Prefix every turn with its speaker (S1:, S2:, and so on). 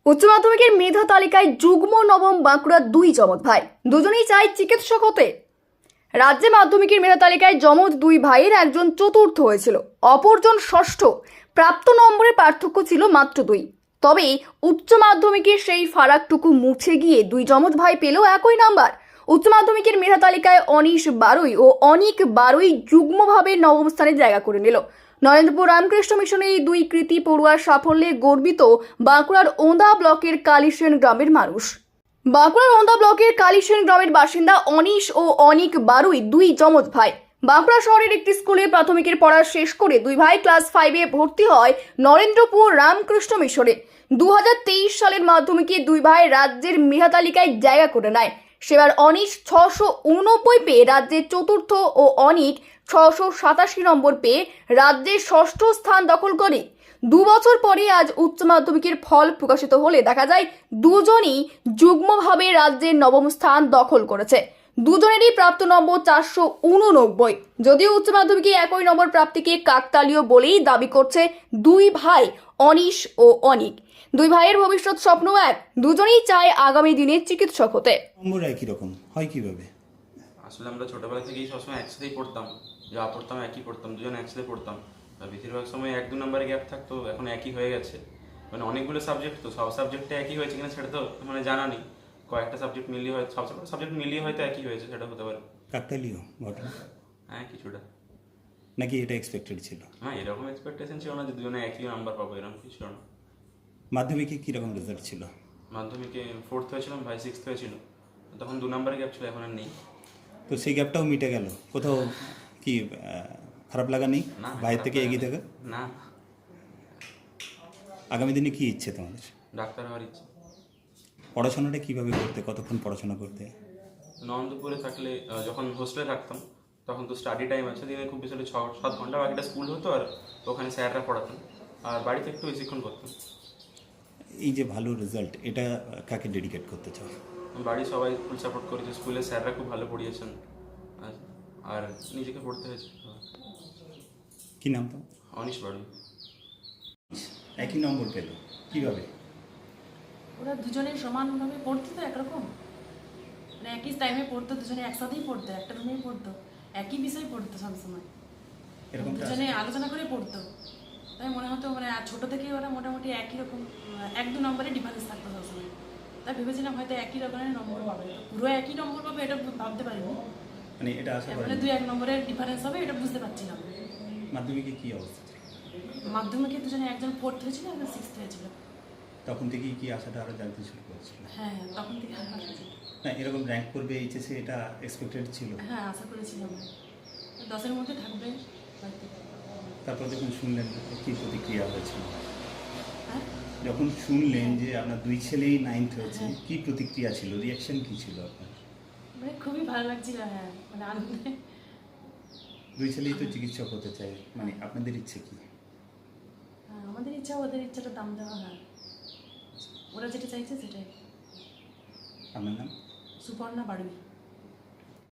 S1: উচ্চ মাধ্যমিকের মেধা তালিকায় যুগ্ম নবম বাঁকুড়ার দুই জমজ ভাই, দুজনেই চায় চিকিৎসক হতে। রাজ্যে মাধ্যমিকের মেধা তালিকায় জমজ দুই ভাইয়ের একজন চতুর্থ হয়েছিল, অপরজন ষষ্ঠ। প্রাপ্ত নম্বরের পার্থক্য ছিল মাত্র 2। তবে উচ্চ মাধ্যমিকের সেই ফারাকটুকু মুছে গিয়ে দুই জমজ ভাই পেল একই নাম্বার। উচ্চ মাধ্যমিকের মেধা তালিকায় অনিশ বারুই ও অনিক বারুই যুগ্মভাবে নবম স্থানে জায়গা করে নিল। নরেন্দ্রপুর রামকৃষ্ণ মিশনের এই দুই কৃতি পড়ুয়ার সাফল্যে গর্বিত বাঁকুড়ার ওন্দা ব্লকের কালিসেন গ্রামের মানুষ। বাঁকুড়ার ওন্দা ব্লকের কালিসেন গ্রামের বাসিন্দা অনিশ ও অনিক বারুই দুই জমজ ভাই। বাঁকুড়া শহরের একটি স্কুলে প্রাথমিকের পড়া শেষ করে দুই ভাই ক্লাস 5-এ ভর্তি হয় নরেন্দ্রপুর রামকৃষ্ণ মিশনে। 2023 সালের মাধ্যমিকে দুই ভাই রাজ্যের মেধা তালিকায় জায়গা করে নেয়। সেবার অনিশ 689 পেয়ে রাজ্যের চতুর্থ ও অনিক 687 নম্বর পেয়ে রাজ্যের ষষ্ঠ স্থান দখল করে। 2 বছর পরে আজ উচ্চ মাধ্যমিকের ফল প্রকাশিত হলে দেখা যায় দুজনই যুগ্মভাবে রাজ্যের নবম স্থান দখল করেছে। দুজনেরই প্রাপ্ত নম্বর 489। যদিও উচ্চ মাধ্যমিকে একই নম্বর প্রাপ্তিকে কাকতালীয় বলেই দাবি করছে দুই ভাই অনিশ ও অনিক। দুই ভাইয়ের ভবিষ্যৎ স্বপ্ন এক, দুজনেই চায় আগামী দিনে চিকিৎসক হতে।
S2: নম্বর একই রকম হয় কিভাবে?
S3: আসলে আমরা ছোটবেলা থেকেই সবসময় একসাথেই পড়তাম, যা পড়তাম একই পড়তাম, দুজন একসাথে পড়তাম। বেশিরভাগ সময় 1-2 নম্বরে গ্যাপ থাকতো, এখন একই হয়ে গেছে। মানে অনেকগুলো সাবজেক্ট, তো সব সাবজেক্টে একই হয়েছে কিনা সেটা তো মানে জানা নেই। কয়েকটা সাবজেক্ট মিলিয়ে হয়, সব সাবজেক্ট মিলিয়ে হয়তো একই হয়েছে, সেটা হতে পারে।
S2: কাকতালীয় ঘটনা
S3: হ্যাঁ, কিছুটা।
S2: নাকি এটা এক্সপেক্টেড ছিল?
S3: হ্যাঁ, এরকম এক্সপেকটেশন ছিল না যে দুজনে একই নাম্বার পাবো, এরকম কিছু ছিল না।
S2: মাধ্যমিকে কীরকম রেজাল্ট ছিল?
S3: মাধ্যমিকে 4th হয়েছিলাম, ভাই 6th হয়েছিল। তখন 2 নম্বরে গ্যাপ ছিল, এখন আর নেই।
S2: তো সেই গ্যাপটাও মিটে গেল, কোথাও কি খারাপ লাগা নেই
S3: না,
S2: বাইরে থেকে এগিয়ে থাকা?
S3: না,
S2: আগামী দিনে কি ইচ্ছে তোমাদের?
S3: ডাক্তার হওয়ার ইচ্ছে।
S2: পড়াশোনাটা কিভাবে করতে, কতক্ষণ পড়াশোনা করতে?
S3: নন্দপুরে থাকলে যখন হোস্টেলে থাকতাম তখন তো স্টাডি টাইম আছে, দিনে খুব বেশি হলে 6-7 ঘন্টা, বাকিটা স্কুল হতো আর ওখানে স্যাররা পড়াতেন, আর বাড়িতে একটু বেশিক্ষণ করতাম।
S2: এই যে ভালো রেজাল্ট, এটা কাকে ডেডিকেট করতে চাও?
S3: বাড়ি সবাই ফুল সাপোর্ট করেছে, স্কুলের স্যাররা খুব ভালো পড়িয়েছেন, আর নিজেকে পড়তে হয়েছে।
S2: কী নাম তো?
S3: অনিশ বাড়ি।
S2: একই নম্বর পেল কিভাবে?
S4: ওরা দুজনে সমানভাবে পড়তো তো একরকম, মানে একই টাইমে পড়তো, দুজনে একসাথেই পড়তো, একটা রুমেই পড়তো, একই বিষয় পড়তো সবসময়,
S2: এরকম
S4: দুজনে আলোচনা করে পড়তো। তাই মনে হতো মানে ছোটো থেকেই ওরা মোটামুটি একই রকম 1-2 নম্বরে ডিফারেন্স থাকতো সবসময়। তাই ভেবেছিলাম হয়তো একই রকমের নম্বর পাবে, তো পুরো একই নম্বর পাবে এটা ভাবতে পারিনি।
S2: মানে এটা আশা
S4: মানে
S2: করেন?
S4: 2-1 নম্বরের ডিফারেন্স হবে এটা বুঝতে পারছিলাম।
S2: মাধ্যমিকে কী অবস্থা?
S4: মাধ্যমিকে দুজনে একজন 4th হয়েছিল, একজন 6th হয়েছিল।
S2: তখন থেকেই কি আশাটা আরও জানতে শুরু করেছিল?
S4: হ্যাঁ, তখন থেকে আশা করেছিলাম।
S2: না, এরকম র্যাঙ্ক করবে এইচএসে, এটা এক্সপেক্টেড ছিল?
S4: হ্যাঁ, আশা করেছিলাম 10-এর মধ্যে থাকবে হয়তো।
S2: তারপর যখন শুনলেন কী প্রতিক্রিয়া হয়েছিল?
S4: হ্যাঁ,
S2: যখন শুনলেন যে আপনার দুই ছেলেই 9th হয়েছে,
S4: হ্যাঁ।
S2: কী প্রতিক্রিয়া ছিল, রিয়াকশন কী ছিল আপনার?
S4: মানে খুবই ভালো লাগছিল, হ্যাঁ, মানে আনন্দে।
S2: দুই ছেলেই তো চিকিৎসক হতে চায়, মানে আপনাদের ইচ্ছে কি?
S4: হ্যাঁ, আমাদের ইচ্ছা ওদের ইচ্ছাটা দাম দেওয়া, হ্যাঁ, ওরা যেটা চাইছে সেটাই।
S2: আপনার নাম?
S4: সুপর্ণা বাড়ুই।